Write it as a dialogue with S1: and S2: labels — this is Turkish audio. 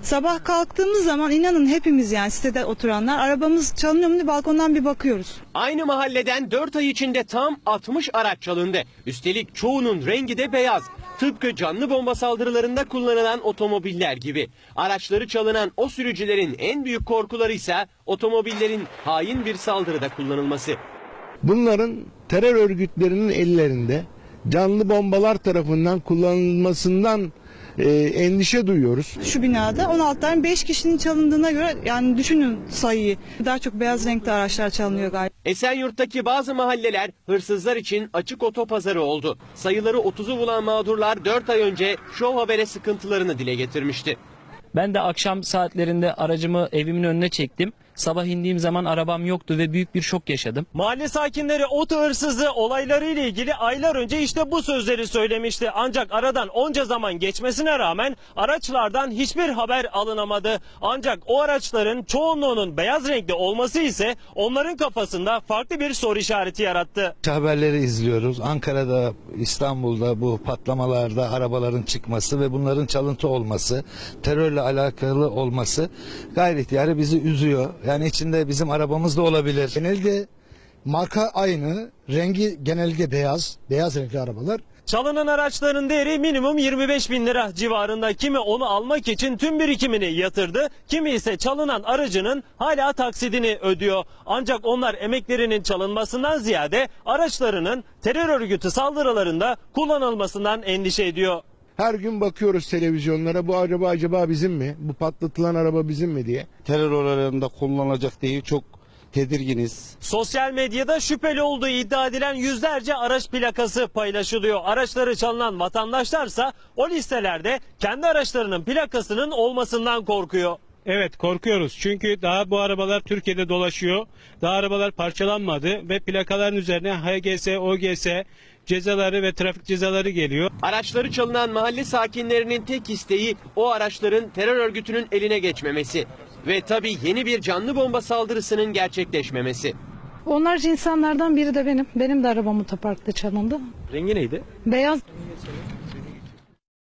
S1: Sabah kalktığımız zaman inanın hepimiz yani sitede oturanlar arabamız çalınıyor mu diye balkondan bir bakıyoruz.
S2: Aynı mahalleden 4 ay içinde tam 60 araç çalındı. Üstelik çoğunun rengi de beyaz. Tıpkı canlı bomba saldırılarında kullanılan otomobiller gibi. Araçları çalınan o sürücülerin en büyük korkuları ise otomobillerin hain bir saldırıda kullanılması.
S3: Bunların terör örgütlerinin ellerinde canlı bombalar tarafından kullanılmasından endişe duyuyoruz.
S1: Şu binada 16 tane 5 kişinin çalındığına göre yani düşünün sayıyı. Daha çok beyaz renkli araçlar çalınıyor galiba.
S2: Esenyurt'taki bazı mahalleler hırsızlar için açık otopazarı oldu. Sayıları 30'u bulan mağdurlar 4 ay önce Show Haber'e sıkıntılarını dile getirmişti.
S4: Ben de akşam saatlerinde aracımı evimin önüne çektim. Sabah indiğim zaman arabam yoktu ve büyük bir şok yaşadım.
S5: Mahalle sakinleri oto hırsızlığı olayları ile ilgili aylar önce işte bu sözleri söylemişti. Ancak aradan onca zaman geçmesine rağmen araçlardan hiçbir haber alınamadı. Ancak o araçların çoğunluğunun beyaz renkli olması ise onların kafasında farklı bir soru işareti yarattı.
S6: Haberleri izliyoruz. Ankara'da, İstanbul'da bu patlamalarda arabaların çıkması ve bunların çalıntı olması, terörle alakalı olması gayri ihtiyari bizi üzüyor. Yani içinde bizim arabamız da olabilir.
S7: Genelde marka aynı, rengi genelde beyaz renkli arabalar.
S5: Çalınan araçların değeri minimum 25 bin lira civarında. Kimi onu almak için tüm birikimini yatırdı, kimi ise çalınan aracının hala taksidini ödüyor. Ancak onlar emeklerinin çalınmasından ziyade araçlarının terör örgütü saldırılarında kullanılmasından endişe ediyor.
S3: Her gün bakıyoruz televizyonlara, bu araba acaba bizim mi? Bu patlatılan araba bizim mi diye.
S6: Terör olaylarında kullanılacak diye çok tedirginiz.
S5: Sosyal medyada şüpheli olduğu iddia edilen yüzlerce araç plakası paylaşılıyor. Araçları çalınan vatandaşlarsa o listelerde kendi araçlarının plakasının olmasından korkuyor.
S8: Evet, korkuyoruz çünkü daha bu arabalar Türkiye'de dolaşıyor. Daha arabalar parçalanmadı ve plakaların üzerine HGS, OGS cezaları ve trafik cezaları geliyor.
S2: Araçları çalınan mahalle sakinlerinin tek isteği o araçların terör örgütünün eline geçmemesi. Ve tabii yeni bir canlı bomba saldırısının gerçekleşmemesi.
S1: Onlarca insanlardan biri de benim. Benim de arabam otoparkta çalındı.
S5: Rengi neydi?
S1: Beyaz.